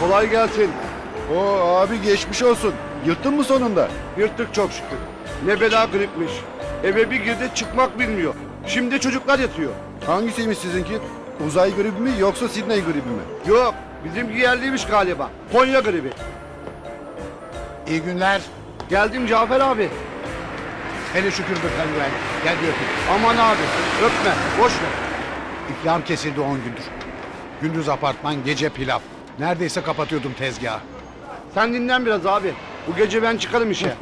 Kolay gelsin. Oo abi geçmiş olsun. Yırttın mı sonunda? Yırttık çok şükür. Ne bela gripmiş. Eve bir girdi çıkmak bilmiyor. Şimdi çocuklar yatıyor. Hangisiymiş sizinki? Uzay gribi mi yoksa Sidney gribi mi? Yok bizim yerliymiş galiba. Konya gribi. İyi günler. Geldim Cafer abi. Hele şükür be penguen. Gel bir öpeyim. Aman abi öpme boş ver. İflam kesildi 10 gündür. Gündüz apartman, gece pilav. Neredeyse kapatıyordum tezgahı. Sen dinlen biraz abi. Bu gece ben çıkarım işe.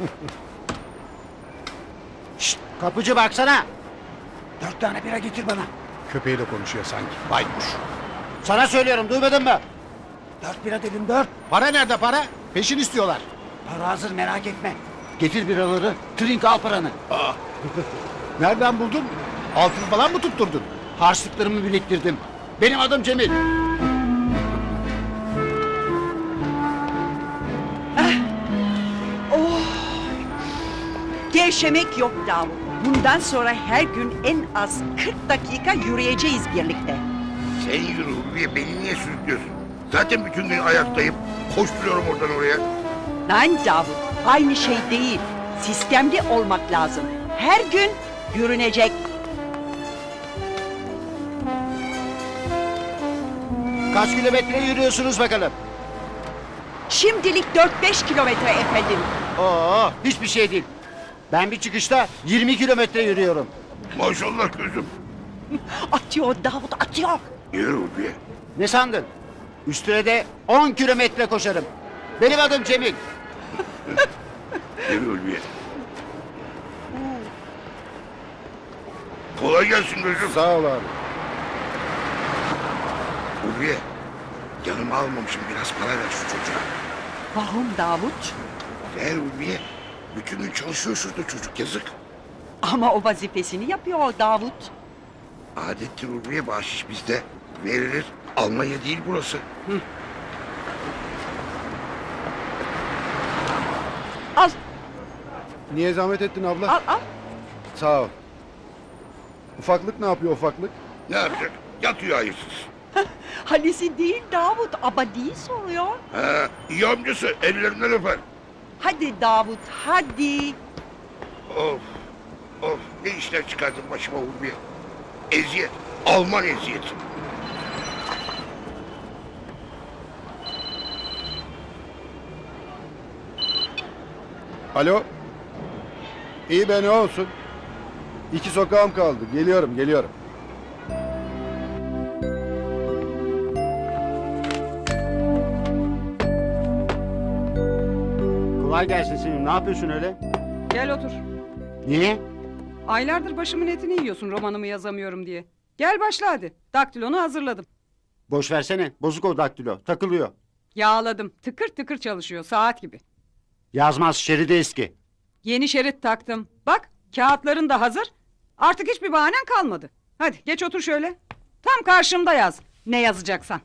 Şşt, kapıcı baksana. 4 tane bira getir bana. Köpeğiyle konuşuyor sanki. Baykuş. Sana söylüyorum, duymadın mı? 4 bira dedim, 4. Para nerede para? Peşin istiyorlar. Para hazır, merak etme. Getir biraları, trink al paranı. Nereden buldun? Altın falan mı tutturdun? Harçlıklarımı biriktirdim. Benim adım Cemil. Gevşemek yok Davut. Bundan sonra her gün en az 40 dakika yürüyeceğiz birlikte. Sen yürü Ulviye, beni niye sürüklüyorsun? Zaten bütün gün ayaktayım. Koşturuyorum oradan oraya. Lan Davut, aynı şey değil. Sistemli olmak lazım. Her gün yürünecek. Kaç kilometre yürüyorsunuz bakalım? Şimdilik 4-5 kilometre efendim. Oo, hiçbir şey değil. Ben bir çıkışta 20 kilometre yürüyorum. Maşallah gözüm. Atıyor Davut, atıyor. Yürü Ulviye. Ne sandın? Üstüne de 10 kilometre koşarım. Benim adım Cemil. Yürü Ulviye. Kolay gelsin gözüm. Sağ ol abi. Ulviye, yanıma almamışım, biraz para ver şu çocuğa. Vahum Davut. Ver Ulviye. Bütün gün çalışıyor şurada çocuk, yazık. Ama o vazifesini yapıyor Davut. Adettir Ulviye, bahşiş bizde. Verilir. Almanya değil burası. Al, Niye zahmet ettin abla? al, al. Sağ ol. Ufaklık ne yapıyor ufaklık? Ne yapacak? Yatıyor hayırsız. Halisi değil Davut, abadi soruyor. Ha, iyi amcası, ellerinden öper. Hadi Davut, hadi. Of, of, ne işler çıkardın başıma Ulviye. Eziyet, Alman eziyeti. Alo. İyi be ne olsun? 2 sokağım kaldı. Geliyorum. Kolay gelsin senin. Ne yapıyorsun öyle? Gel otur. Niye? Aylardır başımın etini yiyorsun romanımı yazamıyorum diye. Gel başla hadi. Daktilonu hazırladım. Boş versene. Bozuk o daktilo. Takılıyor. Yağladım. Tıkır tıkır çalışıyor saat gibi. Yazmaz, şeridi eski. Yeni şerit taktım. Bak kağıtların da hazır. Artık hiçbir bahanen kalmadı. Hadi geç otur şöyle. Tam karşımda yaz. Ne yazacaksan.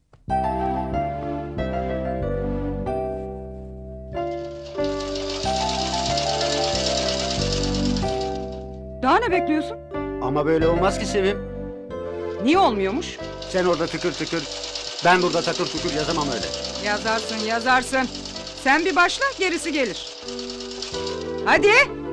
Daha ne bekliyorsun? Ama böyle olmaz ki Sevim. Niye olmuyormuş? Sen orada tıkır tıkır, ben burada takır tukur yazamam öyle. Yazarsın. Sen bir başla gerisi gelir. Hadi.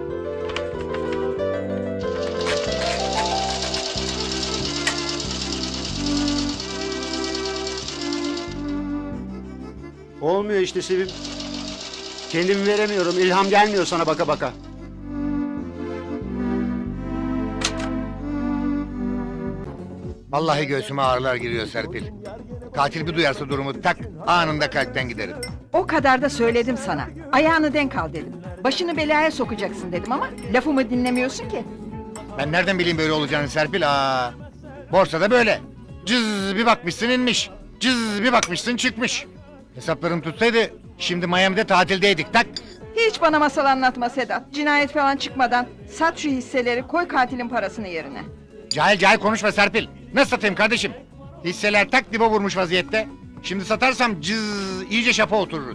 Olmuyor işte Sevim. Kendimi veremiyorum, ilham gelmiyor sana baka baka. Vallahi göğsüme ağrılar giriyor Serpil. Katil bir duyarsa durumu tak anında kalpten giderim. O kadar da söyledim sana. Ayağını denk al dedim. Başını belaya sokacaksın dedim ama lafımı dinlemiyorsun ki. Ben nereden bileyim böyle olacağını Serpil? Borsada böyle. Cız bir bakmışsın inmiş. Cız bir bakmışsın çıkmış. Hesaplarım tutsaydı şimdi Miami'de tatildeydik tak. Hiç bana masal anlatma Sedat. Cinayet falan çıkmadan sat şu hisseleri, koy katilin parasını yerine. Cahil konuşma Serpil. Nasıl satayım kardeşim? Hisseler tak dibe vurmuş vaziyette. Şimdi satarsam cız iyice şapa otururuz.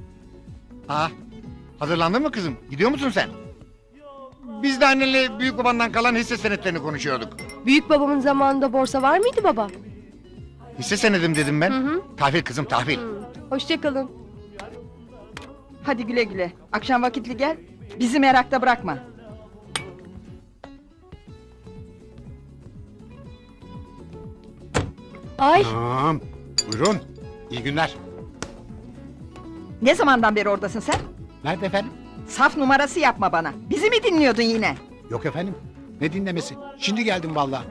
Hazırlandın mı kızım? Gidiyor musun sen? Biz de annenle büyük babandan kalan hisse senetlerini konuşuyorduk. Büyük babamın zamanında borsa var mıydı baba? Hisse senedim dedim ben. Tahvil kızım tahvil. Hoşçakalın. Hadi güle güle. Akşam vakitli gel. Bizi merakta bırakma. Ay Tamam. Buyurun. İyi günler. Ne zamandan beri oradasın sen? Nerede efendim? Saf numarası yapma bana. Bizi mi dinliyordun yine? Yok efendim. Ne dinlemesi? Şimdi geldim vallahi.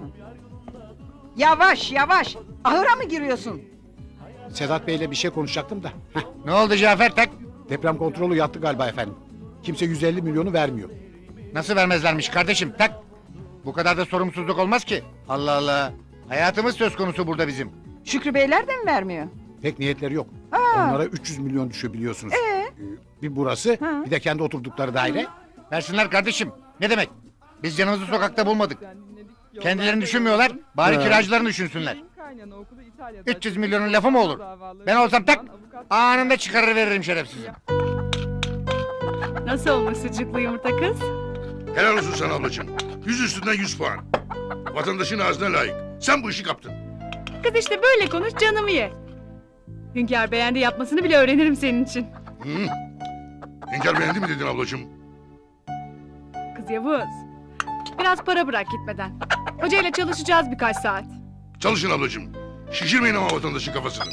Yavaş yavaş. Ahıra mı giriyorsun? Sedat Bey'le bir şey konuşacaktım da. Heh, Ne oldu Cafer tak? deprem kontrolü yattı galiba efendim. Kimse 150 milyonu vermiyor. Nasıl vermezlermiş kardeşim tak? Bu kadar da sorumsuzluk olmaz ki. Allah Allah. Hayatımız söz konusu burada bizim. Şükrü Beyler de mi vermiyor? Pek niyetleri yok. Onlara 300 milyon düşüyor biliyorsunuz. Bir burası, Ha. bir de kendi oturdukları daire. Versinler kardeşim. Ne demek? Biz canımızı sokakta bulmadık. Kendilerini düşünmüyorlar. Bari kiracılarını düşünsünler. 300 milyonun lafı mı olur? Ben olsam tak anında çıkarır veririm şerefsizi. nasıl olmuş sucuklu yumurta kız? Helal olsun sana ablacığım. 100 üstünden 100 puan. Vatandaşın ağzına layık. Sen bu işi kaptın. Kız işte böyle konuş canımı ye. Hünkâr beğendi yapmasını bile öğrenirim senin için. Hı. Hünkâr beğendi mi dedin ablacığım? Kız Yavuz. Biraz para bırak gitmeden. Hocayla çalışacağız birkaç saat. Çalışın ablacığım. Şişirmeyin ama vatandaşın kafasını.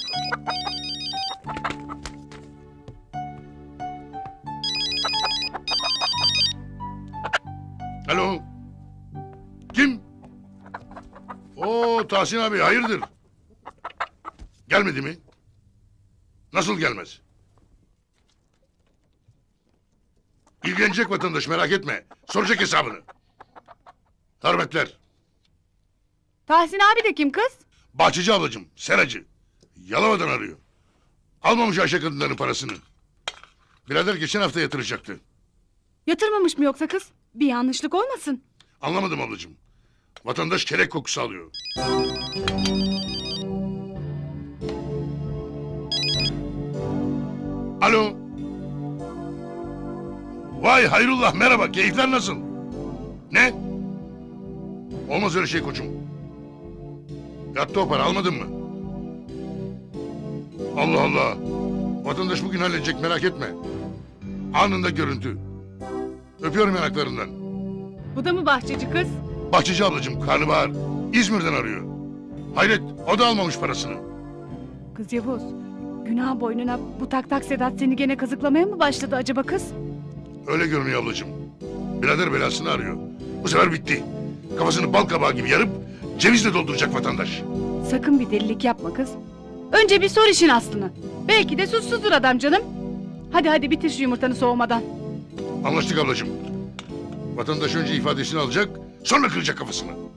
Alo. Kim? Oo Tahsin abi hayırdır? Gelmedi mi? Nasıl gelmez? İlgilenecek vatandaş merak etme. Soracak hesabını. Hürmetler. Tahsin abi de kim kız? Bahçeci ablacığım, seracı. Yalova'dan arıyor. Almamış Ayşe kadınların parasını. Birader geçen hafta yatıracaktı. Yatırmamış mı yoksa kız? Bir yanlışlık olmasın. Anlamadım ablacığım. Vatandaş kelek kokusu alıyor. Alo. Vay hayrullah merhaba. Keyifler nasıl? Ne? Olmaz öyle şey koçum. Yattı o para almadın mı? Allah Allah. Vatandaş bugün halledecek merak etme. Anında görüntü. Öpüyorum yanaklarından. Bu da mı bahçeci kız? Bahçeci ablacığım karnabahar. İzmir'den arıyor. Hayret o da almamış parasını. Kız Yavuz. Günah boynuna bu tak tak Sedat seni gene kazıklamaya mı başladı acaba kız? Öyle görünüyor ablacığım. Birader belasını arıyor. Bu sefer bitti. Kafasını bal kabağı gibi yarıp cevizle dolduracak vatandaş. Sakın bir delilik yapma kız. Önce bir sor işin aslını. Belki de suçsuzdur adam canım. Hadi hadi bitir şu yumurtanı soğumadan. Anlaştık ablacığım. Vatandaş önce ifadesini alacak, sonra kıracak kafasını.